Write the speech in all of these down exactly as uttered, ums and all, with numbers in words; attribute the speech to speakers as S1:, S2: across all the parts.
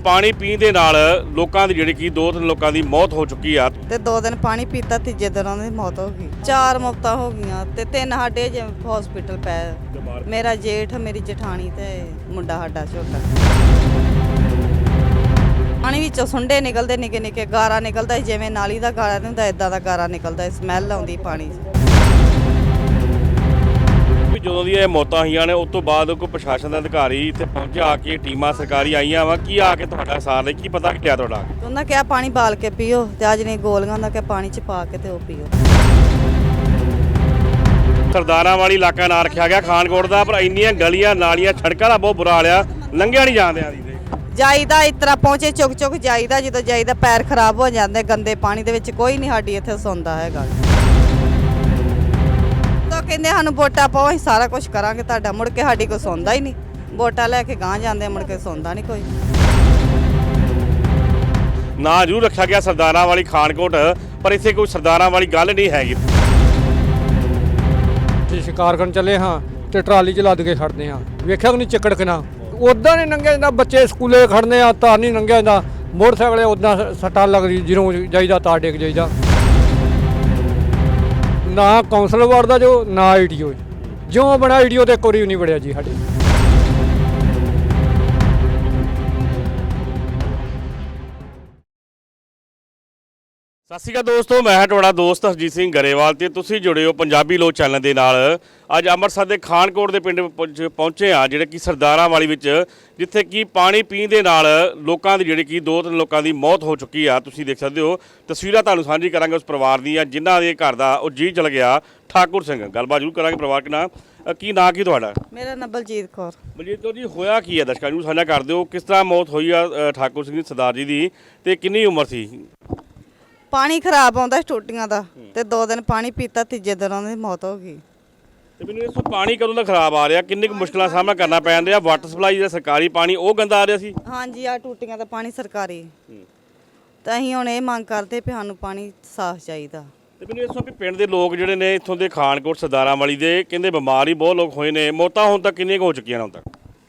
S1: ਪਾਣੀ ਪੀਣ ਦੇ ਨਾਲ ਲੋਕਾਂ ਦੀ ਜਿਹੜੀ ਕਿ ਦੋ ਤਿੰਨ ਲੋਕਾਂ ਦੀ ਮੌਤ ਹੋ ਚੁੱਕੀ ਆ
S2: ਤੇ ਦੋ ਦਿਨ ਪਾਣੀ ਪੀਤਾ ਤੀਜੇ ਦਿਨ ਉਹਨਾਂ ਦੀ ਮੌਤ ਹੋ ਗਈ। ਚਾਰ ਮੌਤਾਂ ਹੋ ਗਈਆਂ ਤੇ ਤਿੰਨ ਸਾਡੇ ਜੇ ਹਸਪੀਟਲ ਪਏ। ਮੇਰਾ ਜੇਠ, ਮੇਰੀ ਜਠਾਣੀ ਤੇ ਮੁੰਡਾ ਸਾਡਾ ਛੋਟਾ। ਪਾਣੀ ਵਿੱਚੋਂ ਸੁੰਡੇ ਨਿਕਲਦੇ ਨਿੱਕੇ ਨਿੱਕੇ, ਗਾਰਾ ਨਿਕਲਦਾ ਜਿਵੇਂ ਨਾਲੀ ਦਾ ਗਾਰਾ ਨਹੀਂ ਹੁੰਦਾ ਇਦਾਂ ਦਾ ਗਾਰਾ ਨਿਕਲਦਾ, ਸਮੈਲ ਆਉਂਦੀ ਪਾਣੀ 'ਚ।
S1: ਜਦੋਂ ਦੀਆਂ ਇਹ ਮੌਤਾਂ ਹੋਈਆਂ ਨੇ ਉਸ ਤੋਂ ਬਾਅਦ ਕੋਈ ਪ੍ਰਸ਼ਾਸਨ ਦਾ ਅਧਿਕਾਰੀ ਇੱਥੇ ਪਹੁੰਚਿਆ, ਆ ਕੇ ਟੀਮਾਂ ਸਰਕਾਰੀ ਆਈਆਂ ਵਾ, ਕੀ ਆ ਕੇ ਤੁਹਾਡਾ ਸਾਰ ਲਈ ਕੀ ਪਤਾ ਕਿਹਾ ਤੁਹਾਡਾ?
S2: ਉਹਨਾਂ ਕਿਹਾ ਪਾਣੀ ਬਾਲ ਕੇ ਪੀਓ ਤੇ ਅੱਜ ਨਹੀਂ ਗੋਲੀਆਂ ਦਾ ਕਿ ਪਾਣੀ 'ਚ ਪਾ ਕੇ ਤੇ ਉਹ ਪੀਓ।
S1: ਸਰਦਾਰਾਂ ਵਾਲੀ ਇਲਾਕਾ ਨਾਂ ਰੱਖਿਆ ਗਿਆ ਖਾਨਕੋਟ ਦਾ, ਪਰ ਇੰਨੀਆਂ ਗਲੀਆਂ ਨਾਲੀਆਂ ਸੜਕਾਂ ਦਾ ਬਹੁਤ ਬੁਰਾ ਹਾਲ ਆ, ਲੰਘਿਆ ਨਹੀਂ ਜਾਂਦੇ ਆ।
S2: ਜਾਈਦਾ ਇਸ ਤਰ੍ਹਾਂ ਪਹੁੰਚੇ ਚੁੱਕ ਚੁੱਕ ਜਾਈਦਾ, ਜਦੋਂ ਜਾਈਦਾ ਪੈਰ ਖਰਾਬ ਹੋ ਜਾਂਦੇ ਗੰਦੇ ਪਾਣੀ ਦੇ ਵਿੱਚ। ਕੋਈ ਨਹੀਂ ਸਾਡੀ ਇੱਥੇ ਸੌਂਦਾ ਹੈਗਾ। ਤਾਂ ਕਹਿੰਦੇ ਸਾਨੂੰ ਵੋਟਾਂ ਪਾਓ, ਅਸੀਂ ਸਾਰਾ ਕੁਝ ਕਰਾਂਗੇ ਤੁਹਾਡਾ। ਮੁੜ ਕੇ ਸਾਡੀ ਕੋਈ ਸੌਂਦਾ ਹੀ ਨਹੀਂ। ਵੋਟਾਂ ਲੈ ਕੇ ਗਾਂਹ ਜਾਂਦੇ, ਮੁੜ ਕੇ ਸੌਂਦਾ ਨਹੀਂ ਕੋਈ।
S1: ਨਾਂ ਜ਼ਰੂਰ ਰੱਖਿਆ ਗਿਆ ਸਰਦਾਰਾਂ ਵਾਲੀ ਖਾਨਕੋਟ, ਪਰ ਇੱਥੇ ਕੋਈ ਸਰਦਾਰਾਂ ਵਾਲੀ ਗੱਲ ਨਹੀਂ ਹੈਗੀ।
S3: ਤੇ ਸ਼ਿਕਾਰ ਕਰਨ ਚੱਲੇ ਹਾਂ ਤੇ ਟਰਾਲੀ 'ਚ ਲੱਦ ਕੇ ਖੜਦੇ ਹਾਂ, ਵੇਖਿਆ ਕਿ ਨਹੀਂ ਚੱਕੜ ਕਿਨਾ ਉੱਦਾਂ ਨਹੀਂ ਲੰਘਿਆ ਜਾਂਦਾ। ਬੱਚੇ ਸਕੂਲੇ ਖੜਨੇ ਆ ਤਾਂ ਨਹੀਂ ਲੰਘਿਆ ਜਾਂਦਾ। ਮੋਟਰਸਾਈਕਲ ਉੱਦਾਂ ਸੱਟਾਂ ਲੱਗਦੀ, ਜਦੋਂ ਜਾਈਦਾ ਤਾਂ ਡਿੱਗ ਜਾਈਦਾ। ਨਾ ਕੌਂਸਲ ਵੜਦਾ ਜੋ ਨਾ ਆਈਡੀਓ, ਜਿਉਂ ਬਣਾ ਆਈਡੀਓ ਤੇ ਕੋਈ ਨਹੀਂ ਵੜਿਆ ਜੀ ਸਾਡੇ।
S1: ਸਤਿ ਸ਼੍ਰੀ ਅਕਾਲ ਦੋਸਤੋ, ਮੈਂ ਹਾਂ ਤੁਹਾਡਾ ਦੋਸਤ ਹਰਜੀਤ ਸਿੰਘ ਗਰੇਵਾਲ ਤੇ ਤੁਸੀਂ ਜੁੜੇ ਹੋ ਪੰਜਾਬੀ ਲੋਕ ਚੈਨਲ ਦੇ ਨਾਲ। ਅੱਜ ਅੰਮ੍ਰਿਤਸਰ ਦੇ ਖਾਨਕੋਟ ਦੇ ਪਿੰਡ ਪਹੁੰਚੇ ਆ, ਜਿਹੜੇ ਕਿ ਸਰਦਾਰਾਂ ਵਾਲੀ ਵਿੱਚ, ਜਿੱਥੇ ਕਿ ਪਾਣੀ ਪੀਣ ਦੇ ਨਾਲ ਲੋਕਾਂ ਦੀ ਜਿਹੜੀ ਕਿ ਦੋ ਤਿੰਨ ਲੋਕਾਂ ਦੀ ਮੌਤ ਹੋ ਚੁੱਕੀ ਆ। ਤੁਸੀਂ ਦੇਖ ਸਕਦੇ ਹੋ ਤਸਵੀਰਾਂ, ਤੁਹਾਨੂੰ ਸਾਂਝੀ ਕਰਾਂਗੇ ਉਸ ਪਰਿਵਾਰ ਦੀਆਂ ਜਿਨ੍ਹਾਂ ਦੇ ਘਰ ਦਾ ਉਹ ਜੀ ਚਲ ਗਿਆ। ਠਾਕੁਰ ਸਿੰਘ, ਗੱਲਬਾਤ ਜ਼ਰੂਰ ਕਰਾਂਗੇ ਪਰਿਵਾਰ ਨਾਲ। ਕੀ ਨਾਂ ਕੀ ਤੁਹਾਡਾ?
S2: ਮੇਰਾ ਨਾਂ ਬਲਜੀਤ ਕੌਰ।
S1: ਬਲਜੀਤ ਕੌਰ ਜੀ, ਹੋਇਆ ਕੀ ਹੈ ਦਰਸ਼ਕਾਂ ਨੂੰ ਸਾਂਝਾ ਕਰ ਦਿਓ, ਕਿਸ ਤਰ੍ਹਾਂ ਮੌਤ ਹੋਈ ਆ ਠਾਕੁਰ ਸਿੰਘ ਸਰਦਾਰ ਜੀ ਦੀ, ਤੇ ਕਿੰਨੀ ਉਮਰ ਸੀ?
S2: ਪਾਣੀ ਖਰਾਬ ਆਉਂਦਾ ਟੂਟੀਆਂ ਦਾ ਤੇ ਦੋ ਦਿਨ ਪਾਣੀ ਪੀਤਾ ਤੀਜੇ ਦਿਨ ਉਹਨਾਂ ਦੀ ਮੌਤ ਹੋ ਗਈ।
S1: ਤੇ ਮੈਨੂੰ ਇਸ ਤੋਂ ਪਾਣੀ ਕਦੋਂ ਦਾ ਖਰਾਬ ਆ ਰਿਹਾ, ਕਿੰਨੇ ਕੁ ਮੁਸ਼ਕਲਾਂ ਦਾ ਸਾਹਮਣਾ ਕਰਨਾ ਪੈ ਰਿਹਾ? ਵਾਟਰ ਸਪਲਾਈ ਦਾ ਸਰਕਾਰੀ ਪਾਣੀ ਉਹ ਗੰਦਾ ਆ ਰਿਹਾ ਸੀ?
S2: ਹਾਂਜੀ, ਆ ਟੂਟੀਆਂ ਦਾ ਪਾਣੀ ਸਰਕਾਰੀ। ਤਾਂ ਅਸੀਂ ਹੁਣ ਇਹ ਮੰਗ ਕਰਦੇ ਵੀ ਸਾਨੂੰ ਪਾਣੀ ਸਾਫ਼ ਚਾਹੀਦਾ।
S1: ਤੇ ਮੈਨੂੰ ਇਸ ਤੋਂ ਵੀ ਪਿੰਡ ਦੇ ਲੋਕ ਜਿਹੜੇ ਨੇ ਇੱਥੋਂ ਦੇ ਖਾਨਕੋਟ ਸਰਦਾਰਾਂ ਵਾਲੀ ਦੇ, ਕਹਿੰਦੇ ਬਿਮਾਰ ਹੀ ਬਹੁਤ ਲੋਕ ਹੋਏ ਨੇ। ਮੌਤਾਂ ਹੁਣ ਤੱਕ ਕਿੰਨੀਆਂ ਕੁ ਹੋ ਚੁੱਕੀਆਂ ਨੇ ਹੁਣ ਤੱਕ?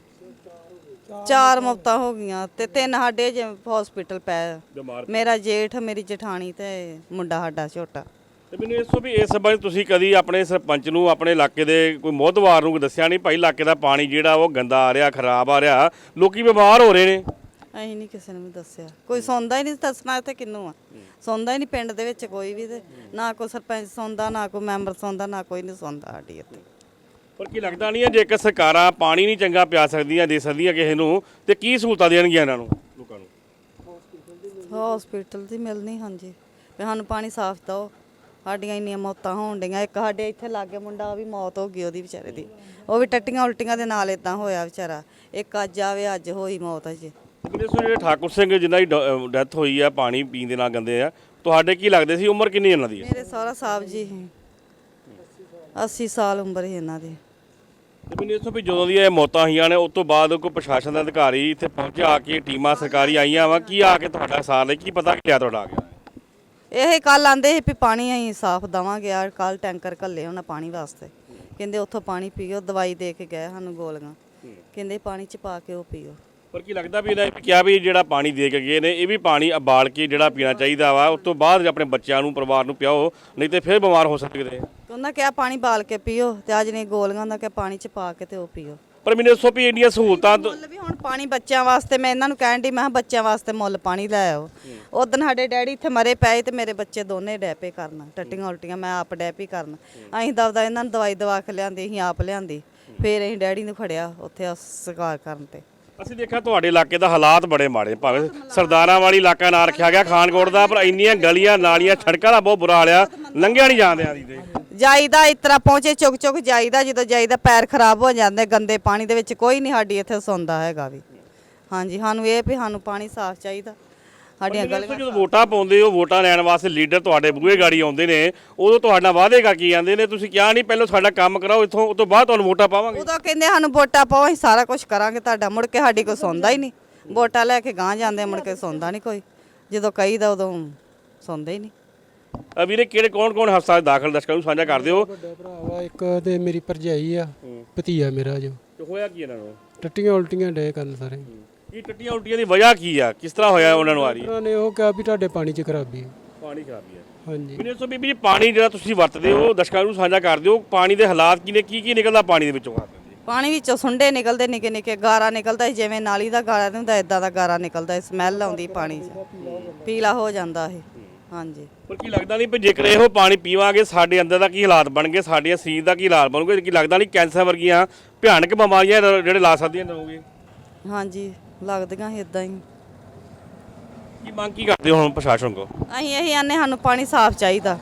S2: ਚਾਰ ਮੌਤਾਂ ਹੋ ਗਈਆਂ ਤੇ ਤਿੰਨ ਸਾਡੇ ਜੇ ਹਸਪੀਟਲ ਪਏ। ਮੇਰਾ ਜੇਠ, ਮੇਰੀ ਜਠਾਣੀ ਤੇ ਮੁੰਡਾ ਸਾਡਾ ਛੋਟਾ।
S1: ਤੇ ਮੈਨੂੰ ਇਸ ਤੋਂ ਵੀ ਇਸ ਸੰਬੰਧ ਤੁਸੀਂ ਕਦੀ ਆਪਣੇ ਸਰਪੰਚ ਨੂੰ, ਆਪਣੇ ਇਲਾਕੇ ਦੇ ਕੋਈ ਮੋਹਤਵਾਰ ਨੂੰ ਦੱਸਿਆ ਨਹੀਂ, ਭਾਈ ਇਲਾਕੇ ਦਾ ਪਾਣੀ ਜਿਹੜਾ ਉਹ ਗੰਦਾ ਆ ਰਿਹਾ, ਖਰਾਬ ਆ ਰਿਹਾ, ਲੋਕੀ ਬਿਮਾਰ ਹੋ ਰਹੇ ਨੇ?
S2: ਅਸੀਂ ਨਹੀਂ ਕਿਸੇ ਨੂੰ ਵੀ ਦੱਸਿਆ, ਕੋਈ ਸੁਣਦਾ ਹੀ ਨਹੀਂ। ਦੱਸਣਾ ਇੱਥੇ ਕਿਹਨੂੰ ਆ? ਸੁਣਦਾ ਹੀ ਨਹੀਂ ਪਿੰਡ ਦੇ ਵਿੱਚ ਕੋਈ ਵੀ। ਤੇ ਨਾ ਕੋਈ ਸਰਪੰਚ ਸੁਣਦਾ, ਨਾ ਕੋਈ ਮੈਂਬਰ ਸੁਣਦਾ, ਨਾ ਕੋਈ ਨਹੀਂ ਸੁਣਦਾ ਸਾਡੀ ਇੱਥੇ।
S1: ਪਰ ਕੀ ਲੱਗਦਾ ਨਹੀਂ ਹੈ ਜੇਕਰ ਸਰਕਾਰਾਂ ਪਾਣੀ ਨਹੀਂ ਚੰਗਾ ਪਿਆ ਸਕਦੀਆਂ, ਦੇ ਸਕਦੀਆਂ ਕਿਸੇ ਨੂੰ, ਤੇ ਕੀ ਸਹੂਲਤਾਂ ਦੇਣਗੀਆਂ ਇਹਨਾਂ ਨੂੰ, ਲੋਕਾਂ ਨੂੰ?
S2: ਹਸਪੀਟਲ ਦੀ ਮਿਲਣੀ। ਹਾਂਜੀ, ਵੀ ਸਾਨੂੰ ਪਾਣੀ ਸਾਫ਼ ਦਿਓ। ਸਾਡੀਆਂ ਇੰਨੀਆਂ ਮੌਤਾਂ ਹੋਣ ਡੀਆਂ। ਇੱਕ ਸਾਡੇ ਇੱਥੇ ਲਾਗੇ ਮੁੰਡਾ, ਉਹ ਵੀ ਮੌਤ ਹੋ ਗਈ ਉਹਦੀ ਵਿਚਾਰੇ ਦੀ। ਉਹ ਵੀ ਟੱਟੀਆਂ ਉਲਟੀਆਂ ਦੇ ਨਾਲ ਇਦਾਂ ਹੋਇਆ ਵਿਚਾਰਾ। ਇੱਕ ਅੱਜ ਆਵੇ, ਅੱਜ ਹੋਈ ਮੌਤ ਅਜੇ।
S1: ਜਿਹੜੇ ਠਾਕੁਰ ਸਿੰਘ ਜਿਨ੍ਹਾਂ ਦੀ ਡੈਥ ਹੋਈ ਆ ਪਾਣੀ ਪੀਣ ਦੇ ਨਾਲ ਗੰਦੇ ਆ, ਤੁਹਾਡੇ ਕੀ ਲੱਗਦੇ ਸੀ, ਉਮਰ ਕਿੰਨੀ ਇਹਨਾਂ ਦੀ?
S2: ਮੇਰੇ ਸਹੁਰਾ ਸਾਹਿਬ ਜੀ ਅੱਸੀ ਸਾਲ ਉਮਰ ਸੀ ਇਹਨਾਂ ਦੀ।
S1: ਤੇ ਮੈਨੂੰ ਇਸ ਤੋਂ ਵੀ ਜਦੋਂ ਦੀਆਂ ਇਹ ਮੌਤਾਂ ਹੋਈਆਂ ਨੇ ਉਸ ਤੋਂ ਬਾਅਦ ਕੋਈ ਪ੍ਰਸ਼ਾਸਨ ਦਾ ਅਧਿਕਾਰੀ ਇੱਥੇ ਪਹੁੰਚਿਆ, ਆ ਕੇ ਟੀਮਾਂ ਸਰਕਾਰੀ ਆਈਆਂ ਵਾ, ਕੀ ਆ ਕੇ ਤੁਹਾਡਾ ਸਾਰ ਲਈ ਕੀ ਪਤਾ ਕਿਹਾ ਤੁਹਾਡਾ ਆ ਗਿਆ?
S2: ਇਹ ਕੱਲ ਆਂਦੇ ਸੀ ਵੀ ਪਾਣੀ ਅਸੀਂ ਸਾਫ਼ ਦੇਵਾਂਗੇ। ਆ ਕੱਲ ਟੈਂਕਰ ਘੱਲੇ ਉਹਨਾਂ ਪਾਣੀ ਵਾਸਤੇ, ਕਹਿੰਦੇ ਉੱਥੋਂ ਪਾਣੀ ਪੀਓ। ਦਵਾਈ ਦੇ ਕੇ ਗਏ ਸਾਨੂੰ ਗੋਲੀਆਂ, ਕਹਿੰਦੇ ਪਾਣੀ 'ਚ ਪਾ ਕੇ ਉਹ ਪੀਓ। ਪਰ
S1: ਕੀ ਲੱਗਦਾ ਵੀ ਇਹਨਾਂ ਕਿਹਾ ਵੀ ਜਿਹੜਾ ਪਾਣੀ ਦੇ ਕੇ ਗਏ ਨੇ, ਇਹ ਵੀ ਪਾਣੀ ਉਬਾਲ ਕੇ ਜਿਹੜਾ ਪੀਣਾ ਚਾਹੀਦਾ ਵਾ, ਉਸ ਤੋਂ ਬਾਅਦ ਆਪਣੇ ਬੱਚਿਆਂ ਨੂੰ, ਪਰਿਵਾਰ ਨੂੰ ਪਿਆਓ, ਨਹੀਂ ਤੇ ਫਿਰ ਬਿਮਾਰ ਹੋ ਸਕਦੇ।
S2: ਉਹਨਾਂ ਕਿਹਾ ਪਾਣੀ ਬਾਲ ਕੇ ਪੀਓ ਤੇ ਅੱਜ ਨਹੀਂ ਗੋਲੀਆਂ ਦਾ ਕਿ ਪਾਣੀ 'ਚ ਪਾ ਕੇ ਤੇ ਉਹ ਪੀਓ।
S1: ਪਰ ਮੈਨੂੰ ਦੱਸੋ ਵੀ ਇੰਨੀਆਂ ਸਹੂਲਤਾਂ
S2: ਮੁੱਲ ਵੀ ਹੁਣ ਪਾਣੀ ਬੱਚਿਆਂ ਵਾਸਤੇ, ਮੈਂ ਇਹਨਾਂ ਨੂੰ ਕਹਿਣ ਦੀ, ਮੈਂ ਕਿਹਾ ਬੱਚਿਆਂ ਵਾਸਤੇ ਮੁੱਲ ਪਾਣੀ ਲੈ ਆਓ। ਉਦੋਂ ਸਾਡੇ ਡੈਡੀ ਇੱਥੇ ਮਰੇ ਪਏ ਤੇ ਮੇਰੇ ਬੱਚੇ ਦੋਨੇ ਡੈਪੇ ਕਰਨ, ਟੱਟੀਆਂ ਉਲਟੀਆਂ, ਮੈਂ ਆਪ ਡੈਪੀ ਕਰਨ। ਅਸੀਂ ਦਵਦਾ ਇਹਨਾਂ ਨੂੰ ਦਵਾਈ ਦਵਾ ਕੇ ਲਿਆਂਦੀ, ਅਸੀਂ ਆਪ ਲਿਆਂਦੀ। ਫਿਰ ਅਸੀਂ ਡੈਡੀ ਨੂੰ ਖੜਿਆ ਉੱਥੇ ਸਰਕਾਰ ਕਰਨ ਤੇ।
S1: ਅਸੀਂ ਦੇਖਿਆ ਤੁਹਾਡੇ ਇਲਾਕੇ ਦਾ ਹਾਲਾਤ ਬੜੇ ਮਾੜੇ, ਭਾਵੇਂ ਸਰਦਾਰਾਂ ਵਾਲੀ ਇਲਾਕਾ ਨਾਂ ਰੱਖਿਆ ਗਿਆ ਖਾਨਕੋਟ ਦਾ, ਪਰ ਇੰਨੀਆਂ ਗਲੀਆਂ ਨਾਲੀਆਂ ਸੜਕਾਂ ਦਾ ਬਹੁਤ ਬੁਰਾ ਹਾਲ ਆ, ਲੰਘਿਆ ਨਹੀਂ ਜਾਂਦੇ ਆ।
S2: ਜਾਈਦਾ ਇਸ ਤਰ੍ਹਾਂ ਪਹੁੰਚੇ ਚੁੱਕ ਚੁੱਕ ਜਾਈਦਾ, ਜਦੋਂ ਜਾਈਦਾ ਪੈਰ ਖਰਾਬ ਹੋ ਜਾਂਦੇ ਗੰਦੇ ਪਾਣੀ ਦੇ ਵਿੱਚ। ਕੋਈ ਨਹੀਂ ਸਾਡੀ ਇੱਥੇ ਸੌਂਦਾ ਹੈਗਾ ਵੀ। ਹਾਂਜੀ, ਸਾਨੂੰ ਇਹ ਵੀ ਸਾਨੂੰ ਪਾਣੀ ਸਾਫ਼ ਚਾਹੀਦਾ। ਸਾਡੀਆਂ ਗਲੀਆਂ
S1: ਜਦੋਂ ਵੋਟਾਂ ਪਾਉਂਦੇ ਹੋ, ਵੋਟਾਂ ਲੈਣ ਵਾਸਤੇ ਲੀਡਰ ਤੁਹਾਡੇ ਬੂਹੇ ਗਾੜੀ ਆਉਂਦੇ ਨੇ, ਉਦੋਂ ਤੁਹਾਡਾ ਵਾਅਦੇ ਕਰਕੇ ਜਾਂਦੇ ਨੇ, ਤੁਸੀਂ ਕਿਹਾ ਨਹੀਂ ਪਹਿਲਾਂ ਸਾਡਾ ਕੰਮ ਕਰਾਓ ਇੱਥੋਂ, ਉਸ ਤੋਂ ਬਾਅਦ ਤੁਹਾਨੂੰ ਵੋਟਾਂ ਪਾਵਾਂਗੇ।
S2: ਉਦੋਂ ਕਹਿੰਦੇ ਸਾਨੂੰ ਵੋਟਾਂ ਪਾਓ, ਅਸੀਂ ਸਾਰਾ ਕੁਝ ਕਰਾਂਗੇ ਤੁਹਾਡਾ। ਮੁੜ ਕੇ ਸਾਡੀ ਕੋਈ ਸੁਣਦਾ ਹੀ ਨਹੀਂ। ਵੋਟਾਂ ਲੈ ਕੇ ਗਾਂਹ ਜਾਂਦੇ, ਮੁੜ ਕੇ ਸੁਣਦਾ ਨਹੀਂ ਕੋਈ। ਜਦੋਂ ਕਹੀਦਾ ਉਦੋਂ ਸੁਣਦੇ ਹੀ ਨਹੀਂ।
S1: ਵੀਰੇ ਕਿਹੜੇ ਕੌਣ ਕੌਣ ਹਸਪਤਾਲ ਦਾਖਲ ਦਰਸ਼ਕਾਂ ਨੂੰ ਸਾਂਝਾ ਕਰ ਦਿਓ।
S3: ਵੱਡਾ ਭਰਾ ਵਾ ਇੱਕ ਤੇ ਮੇਰੀ ਭਰਜਾਈ ਆ, ਭਤੀਆ ਮੇਰਾ ਜੋ।
S1: ਹੋਇਆ ਕੀ ਇਹਨਾਂ ਨੂੰ?
S3: ਟੱਟੀਆਂ ਉਲਟੀਆਂ ਡੇ ਕਰਨ ਸਾਰੇ।
S1: ਇਹ ਟੱਟੀਆਂ ਉਲਟੀਆਂ ਦੀ ਵਜ੍ਹਾ ਕੀ ਆ, ਕਿਸ ਤਰ੍ਹਾਂ ਹੋਇਆ ਉਹਨਾਂ ਨੂੰ ਆ ਰਹੀ ਹੈ?
S4: ਉਹਨਾਂ ਨੇ ਉਹ ਕਿਹਾ ਵੀ ਤੁਹਾਡੇ ਪਾਣੀ 'ਚ ਖਰਾਬੀ ਹੈ।
S1: ਪਾਣੀ ਖਰਾਬੀ ਹੈ।
S4: ਹਾਂਜੀ
S1: ਮੈਨੂੰ ਦੱਸੋ ਬੀਬੀ ਜੀ, ਪਾਣੀ ਜਿਹੜਾ ਤੁਸੀਂ ਵਰਤਦੇ ਹੋ ਦਰਸ਼ਕਾਂ ਨੂੰ ਸਾਂਝਾ ਕਰਦੇ ਹੋ, ਪਾਣੀ ਦੇ ਹਾਲਾਤ ਕੀ ਨੇ, ਕੀ ਕੀ ਨਿਕਲਦਾ ਪਾਣੀ ਦੇ ਵਿੱਚੋਂ?
S2: ਪਾਣੀ ਵਿੱਚੋਂ ਸੁੰਡੇ ਨਿਕਲਦੇ ਨਿੱਕੇ ਨਿੱਕੇ, ਗਾਰਾ ਨਿਕਲਦਾ ਸੀ, ਜਿਵੇਂ ਨਾਲੀ ਦਾ ਗਾਰਾ ਨਹੀਂ ਹੁੰਦਾ ਇਦਾਂ ਦਾ ਗਾਰਾ ਨਿਕਲਦਾ, ਸਮੈਲ ਆਉਂਦੀ ਪਾਣੀ 'ਚ, ਪੀਲਾ ਹੋ ਜਾਂਦਾ ਇਹ। ਹਾਂਜੀ,
S1: ਪਰ ਕੀ ਲੱਗਦਾ ਨਹੀਂ ਵੀ ਜੇਕਰ ਇਹੋ ਪਾਣੀ ਪੀਵਾਂਗੇ ਸਾਡੇ ਅੰਦਰ ਦਾ ਕੀ ਹਾਲਾਤ ਬਣਨਗੇ, ਸਾਡੇ ਸਰੀਰ ਦਾ ਕੀ ਹਾਲਾਤ ਬਣੂਗੇ? ਕੀ ਲੱਗਦਾ ਨਹੀਂ ਕੈਂਸਰ ਵਰਗੀਆਂ ਭਿਆਨਕ ਬਿਮਾਰੀਆਂ ਜਿਹੜੇ ਲਾ ਸਕਦੀਆਂ ਹੋਣਗੇ?
S2: ਹਾਂਜੀ ਲੱਗਦੀਆਂ ਸੀ ਇਦਾਂ ਹੀ।
S1: ਕੀ ਮੰਗ ਕੀ ਕਰਦੇ ਹੋ ਹੁਣ ਪ੍ਰਸ਼ਾਸਨ ਕੋ?
S2: ਅਸੀਂ ਇਹੀ ਆਨੇ ਸਾਨੂੰ ਪਾਣੀ ਸਾਫ਼ ਚਾਹੀਦਾ,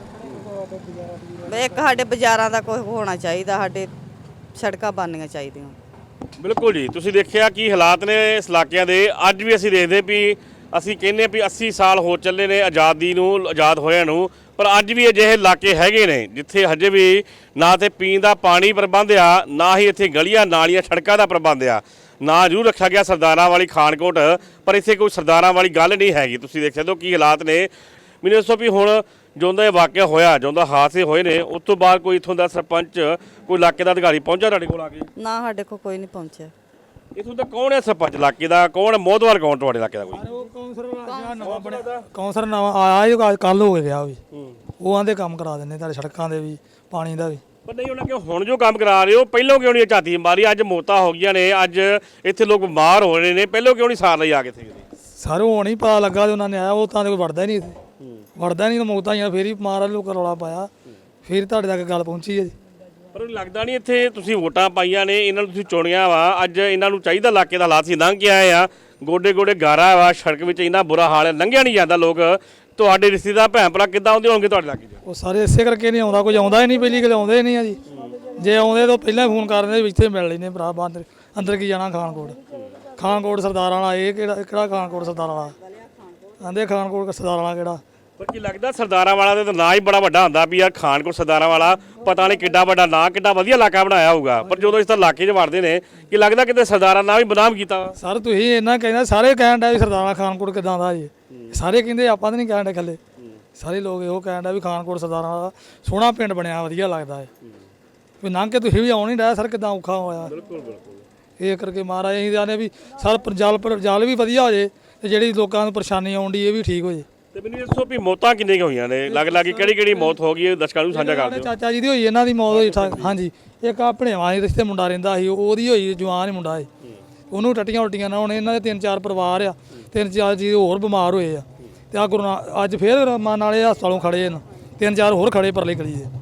S2: ਇੱਕ ਸਾਡੇ ਬਾਜ਼ਾਰਾਂ ਦਾ ਕੋਈ ਹੋਣਾ ਚਾਹੀਦਾ, ਸਾਡੇ ਸੜਕਾਂ ਬਣਨੀਆਂ ਚਾਹੀਦੀਆਂ।
S1: ਬਿਲਕੁਲ ਜੀ, ਤੁਸੀਂ ਦੇਖਿਆ ਕੀ ਹਾਲਾਤ ਨੇ ਇਸ ਇਲਾਕਿਆਂ ਦੇ। ਅੱਜ ਵੀ ਅਸੀਂ ਦੇਖਦੇ ਵੀ ਅਸੀਂ ਕਹਿੰਦੇ ਵੀ ਅੱਸੀ ਸਾਲ ਹੋ ਚੱਲੇ ਨੇ ਆਜ਼ਾਦੀ ਨੂੰ, ਆਜ਼ਾਦ ਹੋਇਆਂ ਨੂੰ, ਪਰ ਅੱਜ ਵੀ ਅਜਿਹੇ ਇਲਾਕੇ ਹੈਗੇ ਨੇ ਜਿੱਥੇ ਹਜੇ ਵੀ ਨਾ ਤੇ ਪੀਣ ਦਾ ਪਾਣੀ ਪ੍ਰਬੰਧ ਆ, ਨਾ ਹੀ ਇੱਥੇ ਗਲੀਆਂ ਨਾਲੀਆਂ ਸੜਕਾਂ ਦਾ ਪ੍ਰਬੰਧ ਆ। ਨਾ ਜ਼ਰੂਰ ਰੱਖਿਆ ਗਿਆ ਸਰਦਾਰਾਂ ਵਾਲੀ ਖਾਨਕੋਟ, ਪਰ ਇੱਥੇ ਕੋਈ ਸਰਦਾਰਾਂ ਵਾਲੀ ਗੱਲ ਨਹੀਂ ਹੈਗੀ। ਤੁਸੀਂ ਦੇਖ ਸਕਦੇ ਹੋ ਕੀ ਹਾਲਾਤ ਨੇ। ਮੈਨੂੰ ਦੱਸੋ ਵੀ ਹੁਣ ਜਦੋਂ ਦਾ ਇਹ ਵਾਕਿਆ ਹੋਇਆ, ਜਦੋਂ ਦਾ ਹਾਦਸੇ ਹੋਏ ਨੇ, ਉਸ ਤੋਂ ਬਾਅਦ ਕੋਈ ਇੱਥੋਂ ਦਾ ਸਰਪੰਚ, ਕੋਈ ਇਲਾਕੇ ਦਾ ਅਧਿਕਾਰੀ ਪਹੁੰਚਿਆ ਤੁਹਾਡੇ ਕੋਲ ਆ ਕੇ?
S2: ਨਾ ਸਾਡੇ ਕੋਲ ਕੋਈ ਨਹੀਂ ਪਹੁੰਚਿਆ।
S1: ਇੱਥੋਂ ਦਾ ਕੌਣ ਹੈ ਸਰਪੰਚ ਇਲਾਕੇ ਦਾ, ਕੌਣ ਹੈ ਮੋਹਦਵਾਰ, ਕੌਣ ਤੁਹਾਡੇ ਇਲਾਕੇ ਦਾ? ਕੋਈ
S4: ਉਹ ਕੌਂਸਲਰ ਨਵਾਂ ਬਣਿਆ, ਕੌਂਸਲਰ ਨਵਾਂ ਆਇਆ ਹੀ ਕੱਲ ਹੋ ਗਿਆ ਵੀ, ਉਹ ਆਂਦੇ ਕੰਮ ਕਰਾ ਦਿੰਦੇ ਤੁਹਾਡੇ ਸੜਕਾਂ ਦੇ ਵੀ, ਪਾਣੀ ਦਾ ਵੀ।
S1: ਪਰ ਨਹੀਂ ਉਹਨਾਂ ਕਿ ਹੁਣ ਜੋ ਕੰਮ ਕਰਾ ਰਹੇ ਹੋ, ਪਹਿਲਾਂ ਕਿਉਂ ਨਹੀਂ ਝਾਤੀ ਮਾਰੀ? ਅੱਜ ਮੌਤਾਂ ਹੋ ਗਈਆਂ ਨੇ, ਅੱਜ ਇੱਥੇ ਲੋਕ ਬਿਮਾਰ ਹੋ ਰਹੇ ਨੇ, ਪਹਿਲਾਂ ਕਿਉਂ ਨਹੀਂ ਸਾਰ ਲਈ ਆ ਕੇ ਇੱਥੇ?
S4: ਸਾਰੇ ਹੁਣ ਹੀ ਪਤਾ ਲੱਗਾ ਤੇ ਉਹਨਾਂ ਨੇ ਆਇਆ, ਉਹ ਤਾਂ ਕੋਈ ਵੜਦਾ ਹੀ ਨਹੀਂ ਇੱਥੇ, ਵੜਦਾ ਨਹੀਂ, ਮੌਤਾਂ ਹੀ ਫੇਰ ਹੀ ਮਾਰ ਲੋਕ ਰੌਲਾ ਪਾਇਆ, ਫਿਰ ਤੁਹਾਡੇ ਤੱਕ ਗੱਲ ਪਹੁੰਚੀ ਹੈ ਜੀ।
S1: ਪਰ ਲੱਗਦਾ ਨਹੀਂ ਇੱਥੇ ਤੁਸੀਂ ਵੋਟਾਂ ਪਾਈਆਂ ਨੇ, ਇਹਨਾਂ ਨੂੰ ਤੁਸੀਂ ਚੁਣਿਆ ਵਾ, ਅੱਜ ਇਹਨਾਂ ਨੂੰ ਚਾਹੀਦਾ ਇਲਾਕੇ ਦਾ ਹਾਲਾਤ ਸੀ ਲੰਘ ਕੇ ਆਏ ਆ, ਗੋਡੇ ਗੋਡੇ ਗਾਰਾ ਵਾ, ਸੜਕ ਵਿੱਚ ਇੰਨਾ ਬੁਰਾ ਹਾਲ ਹੈ, ਲੰਘਿਆ ਨਹੀਂ ਜਾਂਦਾ। ਲੋਕ ਤੁਹਾਡੇ ਰਿਸ਼ਤੇਦਾਰ ਭੈਣ ਭਰਾ ਕਿੱਦਾਂ ਆਉਂਦੇ ਹੋਣਗੇ ਤੁਹਾਡੇ ਇਲਾਕੇ 'ਚ?
S4: ਉਹ ਸਾਰੇ ਇਸੇ ਕਰਕੇ ਨਹੀਂ ਆਉਂਦਾ, ਕੋਈ ਆਉਂਦਾ ਹੀ ਨਹੀਂ, ਪਹਿਲੀ ਗੱਲ ਆਉਂਦੇ ਨਹੀਂ ਆ ਜੀ। ਜੇ ਆਉਂਦੇ ਤਾਂ ਪਹਿਲਾਂ ਫੋਨ ਕਰ ਦਿੰਦੇ ਵੀ ਇੱਥੇ ਮਿਲ ਲੈਂਦੇ ਭਰਾ, ਬਾਹਰ ਅੰਦਰ ਕੀ ਜਾਣਾ ਖਾਨਕੋਟ, ਖਾਨਕੋਟ ਸਰਦਾਰ ਵਾਲਾ, ਇਹ ਕਿਹੜਾ ਕਿਹੜਾ ਖਾਨਕੋਟ ਸਰਦਾਰ ਵਾਲਾ, ਆਂਦੇ ਖਾਨਕੋਟ ਸਰਦਾਰ ਵਾਲਾ ਕਿਹੜਾ।
S1: ਪਰ ਕੀ ਲੱਗਦਾ ਸਰਦਾਰਾਂ ਵਾਲਾ ਦੇ ਤਾਂ ਨਾਂ ਹੀ ਬੜਾ ਵੱਡਾ ਹੁੰਦਾ ਵੀ ਯਾਰ ਖਾਨਕੋਟ ਸਰਦਾਰਾਂ ਵਾਲਾ, ਪਤਾ ਨਹੀਂ ਕਿੱਡਾ ਵੱਡਾ ਨਾਂ, ਕਿੱਡਾ ਵਧੀਆ ਇਲਾਕਾ ਬਣਾਇਆ ਹੋਊਗਾ, ਪਰ ਜਦੋਂ ਇਸ ਤਰ੍ਹਾਂ ਇਲਾਕੇ 'ਚ ਵੜਦੇ ਨੇ ਕੀ ਲੱਗਦਾ ਕਿਤੇ ਸਰਦਾਰਾਂ ਨਾਂ ਵੀ ਬਦਨਾਮ ਕੀਤਾ?
S4: ਸਰ ਤੁਸੀਂ ਇੰਨਾ ਕਹਿੰਦਾ, ਸਾਰੇ ਕਹਿਣ ਡਿਆ ਵੀ ਸਰਦਾਰਾ ਖਾਨਕੋਟ ਕਿਦਾਂ ਦਾ ਜੀ, ਸਾਰੇ ਕਹਿੰਦੇ, ਆਪਾਂ ਤਾਂ ਨਹੀਂ ਕਹਿਣ ਡੇ ਇਕੱਲੇ, ਸਾਰੇ ਲੋਕ ਇਹੋ ਕਹਿਣ ਡਿਆ ਵੀ ਖਾਨਕੋਟ ਸਰਦਾਰਾਂ ਦਾ ਸੋਹਣਾ ਪਿੰਡ ਬਣਿਆ, ਵਧੀਆ ਲੱਗਦਾ ਹੈ ਵੀ ਲੰਘ ਕੇ ਤੁਸੀਂ ਵੀ ਆਉਣ ਨਹੀਂ ਡਿਆ ਸਰ, ਕਿਦਾਂ ਔਖਾ ਹੋਇਆ। ਬਿਲਕੁਲ ਬਿਲਕੁਲ ਇਹ ਕਰਕੇ ਮਹਾਰਾਜ ਅਸੀਂ ਜਾਣੇ ਵੀ ਸਰ ਜਲ ਪਰ ਜਲ ਵੀ ਵਧੀਆ ਹੋ ਜੇ, ਤੇ ਜਿਹੜੀ ਲੋਕਾਂ ਨੂੰ ਪਰੇਸ਼ਾਨੀ ਆਉਂਦੀ ਇਹ ਵੀ ਠੀਕ ਹੋ ਜੇ।
S1: ਤੇ ਮੈਨੂੰ ਦੱਸੋ ਵੀ ਮੌਤਾਂ ਕਿੰਨੇ ਕੁ ਹੋਈਆਂ ਨੇ, ਲੱਗ ਲੱਗ ਕਿਹੜੀ ਕਿਹੜੀ ਮੌਤ ਹੋ ਗਈ ਹੈ, ਦਰਸ਼ਕਾਂ ਨੂੰ ਸਾਂਝਾ ਕਰ ਦਿਓ।
S4: ਚਾਚਾ ਜੀ ਦੀ ਹੋਈ, ਇਹਨਾਂ ਦੀ ਮੌਤ ਹੋਈ ਠਾ- ਹਾਂਜੀ, ਇੱਕ ਆ ਭਣੇਵਾਂ ਦੇ ਰਿਸ਼ਤੇ ਮੁੰਡਾ ਰਹਿੰਦਾ ਸੀ, ਉਹਦੀ ਹੋਈ, ਜਵਾਨ ਹੀ ਮੁੰਡਾ ਸੀ, ਉਹਨੂੰ ਟੱਟੀਆਂ ਉਲਟੀਆਂ ਨਾ ਹੋਣੇ। ਇਹਨਾਂ ਦੇ ਤਿੰਨ ਚਾਰ ਪਰਿਵਾਰ ਆ, ਤਿੰਨ ਚਾਰ ਜੀ ਹੋਰ ਬਿਮਾਰ ਹੋਏ ਆ, ਤੇ ਆ ਗੁਰੂ ਨਾ ਅੱਜ ਫੇਰ ਮਨ ਵਾਲੇ ਹਸਪਤਾਲੋਂ ਖੜੇ ਨੇ, ਤਿੰਨ ਚਾਰ ਹੋਰ ਖੜੇ ਪਰਲੇ ਗਲੀ ਦੇ।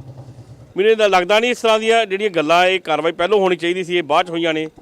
S1: ਮੈਨੂੰ ਇਹਦਾ ਲੱਗਦਾ ਨਹੀਂ ਇਸ ਤਰ੍ਹਾਂ ਦੀਆਂ ਜਿਹੜੀਆਂ ਗੱਲਾਂ, ਇਹ ਕਾਰਵਾਈ ਪਹਿਲਾਂ ਹੋਣੀ ਚਾਹੀਦੀ ਸੀ, ਇਹ ਬਾਅਦ 'ਚ ਹੋਈਆਂ ਨੇ?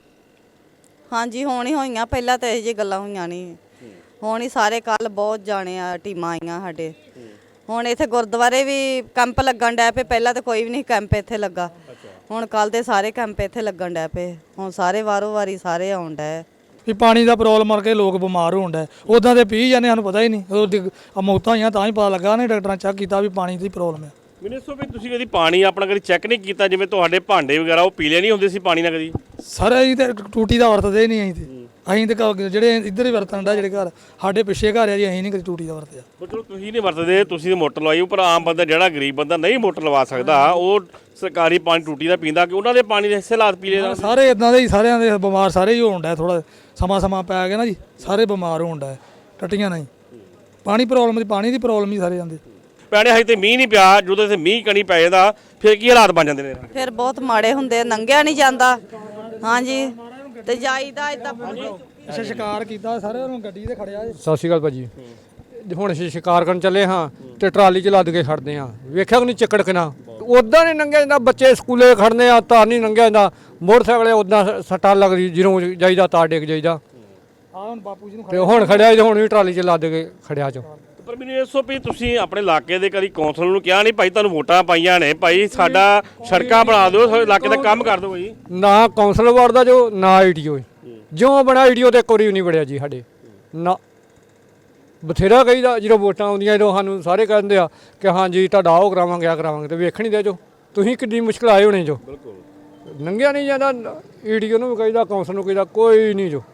S2: ਹਾਂਜੀ ਹੁਣ ਹੀ ਹੋਈਆਂ, ਪਹਿਲਾਂ ਤਾਂ ਇਹੋ ਜਿਹੀ ਗੱਲਾਂ ਹੋਈਆਂ ਨਹੀਂ। ਹੁਣ ਹੀ ਸਾਰੇ ਕੱਲ ਬਹੁਤ ਜਾਣੇ ਆ, ਟੀਮਾਂ ਆਈਆਂ ਸਾਡੇ। ਹੁਣ ਇੱਥੇ ਗੁਰਦੁਆਰੇ ਵੀ ਕੈਂਪ ਲੱਗਣ ਡੈ ਪਏ, ਪਹਿਲਾਂ ਤਾਂ ਕੋਈ ਵੀ ਨਹੀਂ ਕੈਂਪ ਇੱਥੇ ਲੱਗਾ, ਹੁਣ ਕੱਲ ਦੇ ਸਾਰੇ ਕੈਂਪ ਇੱਥੇ ਲੱਗਣ ਡੈ ਪਏ, ਹੁਣ ਸਾਰੇ ਵਾਰੋ ਵਾਰੀ ਸਾਰੇ ਆਉਣ ਡੈ।
S4: ਵੀ ਪਾਣੀ ਦਾ ਪ੍ਰੋਬਲਮ ਕਰਕੇ ਲੋਕ ਬਿਮਾਰ ਹੋਣ ਡੈ, ਉੱਦਾਂ ਦੇ ਪੀ ਜਾਂਦੇ, ਸਾਨੂੰ ਪਤਾ ਹੀ ਨਹੀਂ, ਉਹ ਮੌਤਾਂ ਹੋਈਆਂ ਤਾਂ ਹੀ ਪਤਾ ਲੱਗਾ ਨੇ, ਡਾਕਟਰਾਂ ਚੈੱਕ ਕੀਤਾ ਵੀ ਪਾਣੀ ਦੀ ਪ੍ਰੋਬਲਮ ਹੈ।
S1: ਮੈਨੂੰ ਦੱਸੋ ਵੀ ਤੁਸੀਂ ਕਦੀ ਪਾਣੀ ਆਪਣਾ ਕਦੀ ਚੈੱਕ ਨਹੀਂ ਕੀਤਾ, ਜਿਵੇਂ ਤੁਹਾਡੇ ਭਾਂਡੇ ਵਗੈਰਾ ਉਹ ਪੀਲੇ ਨਹੀਂ ਹੁੰਦੇ ਸੀ ਪਾਣੀ ਨਾਲ ਕਦੀ?
S4: ਸਰ ਅਸੀਂ ਤੇ ਟੂਟੀ ਦਾ ਵਰਤਦੇ ਨਹੀਂ, ਅਸੀਂ ਤੇ ਅਸੀਂ ਤੇ ਘਰ- ਜਿਹੜੇ ਇੱਧਰ ਹੀ ਵਰਤਣ ਦਾ, ਜਿਹੜੇ ਘਰ ਸਾਡੇ ਪਿੱਛੇ ਘਰ ਆ ਜੀ, ਅਸੀਂ ਨਹੀਂ ਕਦੀ ਟੂਟੀ ਦਾ ਵਰਤਿਆ।
S1: ਪਰ ਚਲੋ ਤੁਸੀਂ ਨਹੀਂ ਵਰਤਦੇ, ਤੁਸੀਂ ਤਾਂ ਮੋਟਰ ਲਵਾਈ, ਪਰ ਆਮ ਬੰਦਾ ਜਿਹੜਾ ਗਰੀਬ ਬੰਦਾ ਨਹੀਂ ਮੋਟਰ ਲਵਾ ਸਕਦਾ, ਉਹ ਸਰਕਾਰੀ ਪਾਣੀ ਟੂਟੀ ਦਾ ਪੀਂਦਾ, ਕਿ ਉਹਨਾਂ ਦੇ ਪਾਣੀ ਦੇ ਹਿੱਸੇ ਲਾਤ ਪੀਲੇ ਦਾ?
S4: ਸਾਰੇ ਇਦਾਂ ਦੇ ਹੀ, ਸਾਰਿਆਂ ਦੇ ਬਿਮਾਰ ਸਾਰੇ ਹੀ ਹੋਣ ਡੈ, ਥੋੜਾ ਸਮਾਂ ਸਮਾਂ ਪੈ ਗਿਆ ਨਾ ਜੀ, ਸਾਰੇ ਬਿਮਾਰ ਹੋਣ ਡੈ, ਟੱਟੀਆਂ ਨਹੀਂ, ਪਾਣੀ ਪ੍ਰੋਬਲਮ, ਪਾਣੀ ਦੀ ਪ੍ਰੋਬਲਮ ਹੀ ਸਾਰੇ ਜਾਂਦੇ।
S1: ਪੈਣੇ ਹਜੇ ਤੇ ਮੀਂਹ ਨਹੀਂ ਪਿਆ, ਜਦੋਂ ਇੱਥੇ ਮੀਂਹ ਕਣੀ ਪੈ ਜਾਂਦਾ ਫਿਰ ਕੀ ਹਾਲਾਤ ਬਣ ਜਾਂਦੇ ਨੇ?
S2: ਫਿਰ ਬਹੁਤ ਮਾੜੇ ਹੁੰਦੇ, ਲੰਘਿਆ ਨਹੀਂ ਜਾਂਦਾ। ਹਾਂਜੀ ਤੇ ਜਾਈਦਾ ਇਦਾਂ।
S4: ਅੱਛਾ ਸ਼ਿਕਾਰ ਕੀਤਾ ਸਾਰਿਆਂ ਨੂੰ, ਗੱਡੀ ਤੇ ਖੜਿਆ ਜੀ।
S3: ਸਤਿ ਸ਼੍ਰੀ ਅਕਾਲ ਭਾਜੀ। ਹੁਣ ਅਸੀਂ ਸ਼ਿਕਾਰ ਕਰਨ ਚੱਲੇ ਹਾਂ ਤੇ ਟਰਾਲੀ 'ਚ ਲੱਦ ਕੇ ਖੜਦੇ ਹਾਂ, ਵੇਖਿਆ ਕਿ ਨਹੀਂ ਚੱਕੜ ਕਿਨਾ, ਉੱਦਾਂ ਨਹੀਂ ਲੰਘਿਆ ਜਾਂਦਾ, ਬੱਚੇ ਸਕੂਲੇ ਖੜਨੇ ਆ ਤਾਂ ਨਹੀਂ ਲੰਘਿਆ ਜਾਂਦਾ, ਮੋਟਰਸਾਈਕਲ ਉੱਦਾਂ ਸੱਟਾਂ ਲੱਗਦੀ, ਜਦੋਂ ਜਾਈਦਾ ਤਾਂ ਡਿੱਗ ਜਾਈਦਾ।
S4: ਆ ਹੁਣ ਬਾਪੂ ਜੀ ਨੂੰ
S3: ਤੇ ਹੁਣ ਖੜਿਆ ਜੀ, ਹੁਣ ਵੀ ਟਰਾਲੀ 'ਚ ਲੱਦ ਕੇ ਖੜਿਆ ਚੋ।
S1: ਪਰ ਮੈਨੂੰ ਇਹ ਦੱਸੋ ਵੀ ਤੁਸੀਂ ਆਪਣੇ ਇਲਾਕੇ ਦੇ ਕਦੀ ਕੌਂਸਲ ਨੂੰ ਕਿਹਾ ਨਹੀਂ ਭਾਈ ਤੁਹਾਨੂੰ ਵੋਟਾਂ ਪਾਈਆਂ ਨੇ, ਭਾਈ ਸਾਡਾ ਸੜਕਾਂ ਬਣਾ ਦਿਓ, ਸਾਡੇ ਇਲਾਕੇ ਦਾ ਕੰਮ ਕਰ ਦਿਓ ਜੀ?
S3: ਨਾ ਕੌਂਸਲ ਵਾਰਡ ਦਾ ਜੋ, ਨਾ ਆਈਡੀਓ, ਜਿਉਂ ਬਣਾ ਆਈਡੀਓ ਤੇ ਇੱਕ ਵਾਰੀ ਵੀ ਨਹੀਂ ਵੜਿਆ ਜੀ ਸਾਡੇ ਨਾ। ਬਥੇਰਾ ਕਹੀਦਾ, ਜਦੋਂ ਵੋਟਾਂ ਆਉਂਦੀਆਂ ਜਦੋਂ ਸਾਨੂੰ ਸਾਰੇ ਕਹਿੰਦੇ ਆ ਕਿ ਹਾਂਜੀ ਤੁਹਾਡਾ ਉਹ ਕਰਾਵਾਂਗੇ, ਆ ਕਰਾਵਾਂਗੇ, ਤੇ ਵੇਖ ਨਹੀਂ ਦੇ ਜੋ ਤੁਸੀਂ ਕਿੰਨੀ ਮੁਸ਼ਕਿਲ ਆਏ ਹੋਣੇ ਜੋ। ਲੰਘਿਆ ਨਹੀਂ ਜਾਂਦਾ, ਈਡੀਓ ਨੂੰ ਵੀ ਕਹੀਦਾ, ਕੌਂਸਲ ਨੂੰ ਕਹੀਦਾ, ਕੋਈ ਨਹੀਂ ਜੋ।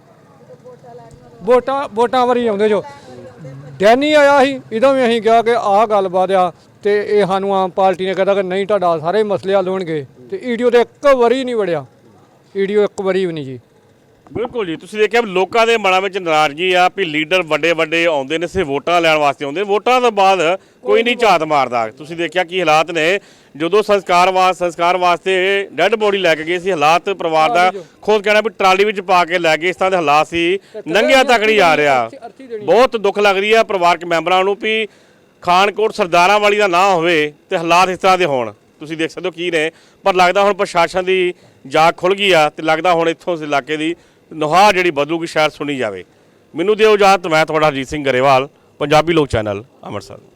S3: ਵੋਟਾਂ ਵੋਟਾਂ ਵਾਰੀ ਆਉਂਦੇ ਜੋ। ਡੈਨੀ ਆਇਆ ਸੀ, ਇਹਦੋਂ ਵੀ ਅਸੀਂ ਕਿਹਾ ਕਿ ਆਹ ਗੱਲਬਾਤ ਆ, ਤੇ ਇਹ ਸਾਨੂੰ ਆਮ ਪਾਰਟੀ ਨੇ ਕਹਿੰਦਾ ਕਿ ਨਹੀਂ ਤੁਹਾਡਾ ਸਾਰੇ ਮਸਲੇ ਹੱਲ ਹੋਣਗੇ, ਤੇ ਈਡੀਓ ਤੇ ਇੱਕ ਵਾਰੀ ਨਹੀਂ ਵੜਿਆ, ਈਡੀਓ ਇੱਕ ਵਾਰੀ ਵੀ ਨਹੀਂ ਜੀ।
S1: ਬਿਲਕੁਲ ਜੀ, ਤੁਸੀਂ ਦੇਖਿਆ ਵੀ ਲੋਕਾਂ ਦੇ ਮਨਾਂ ਵਿੱਚ ਨਾਰਾਜ਼ਗੀ ਆ ਵੀ ਲੀਡਰ ਵੱਡੇ ਵੱਡੇ ਆਉਂਦੇ ਨੇ ਸਿਰਫ ਵੋਟਾਂ ਲੈਣ ਵਾਸਤੇ ਆਉਂਦੇ ਨੇ, ਵੋਟਾਂ ਤੋਂ ਬਾਅਦ ਕੋਈ ਨਹੀਂ ਝਾਤ ਮਾਰਦਾ। ਤੁਸੀਂ ਦੇਖਿਆ ਕੀ ਹਾਲਾਤ ਨੇ ਜਦੋਂ ਸੰਸਕਾਰ ਵਾਸ ਸੰਸਕਾਰ ਵਾਸਤੇ ਡੈੱਡ ਬੋਡੀ ਲੈ ਕੇ ਗਏ ਸੀ, ਹਾਲਾਤ ਪਰਿਵਾਰ ਦਾ ਖੁਦ ਕਹਿਣਾ ਵੀ ਟਰਾਲੀ ਵਿੱਚ ਪਾ ਕੇ ਲੈ ਗਏ, ਇਸ ਤਰ੍ਹਾਂ ਦੇ ਹਾਲਾਤ ਸੀ, ਨੰਗਿਆ ਤੱਕ ਨਹੀਂ ਜਾ ਰਿਹਾ। ਬਹੁਤ ਦੁੱਖ ਲੱਗ ਰਹੀ ਆ ਪਰਿਵਾਰਕ ਮੈਂਬਰਾਂ ਨੂੰ ਵੀ ਖਾਨਕੋਟ ਸਰਦਾਰਾਂ ਵਾਲੀ ਦਾ ਨਾ ਹੋਵੇ ਤੇ ਹਾਲਾਤ ਇਸ ਤਰ੍ਹਾਂ ਦੇ ਹੋਣ। ਤੁਸੀਂ ਦੇਖ ਸਕਦੇ ਹੋ ਕੀ ਨੇ, ਪਰ ਲੱਗਦਾ ਹੁਣ ਪ੍ਰਸ਼ਾਸਨ ਦੀ ਜਾਗ ਖੁੱਲ ਗਈ ਆ ਤੇ ਲੱਗਦਾ ਹੁਣ ਇੱਥੋਂ ਇਸ ਇਲਾਕੇ ਦੀ ਨੁਹਾਰ ਜਿਹੜੀ ਬਦਲੂਗੀ, ਸ਼ਾਇਦ ਸੁਣੀ ਜਾਵੇ। ਮੈਨੂੰ ਦਿਓ ਇਜਾਜ਼ਤ, ਮੈਂ ਤੁਹਾਡਾ ਹਰਜੀਤ ਸਿੰਘ ਗਰੇਵਾਲ, ਪੰਜਾਬੀ ਲੋਕ ਚੈਨਲ ਅੰਮ੍ਰਿਤਸਰ।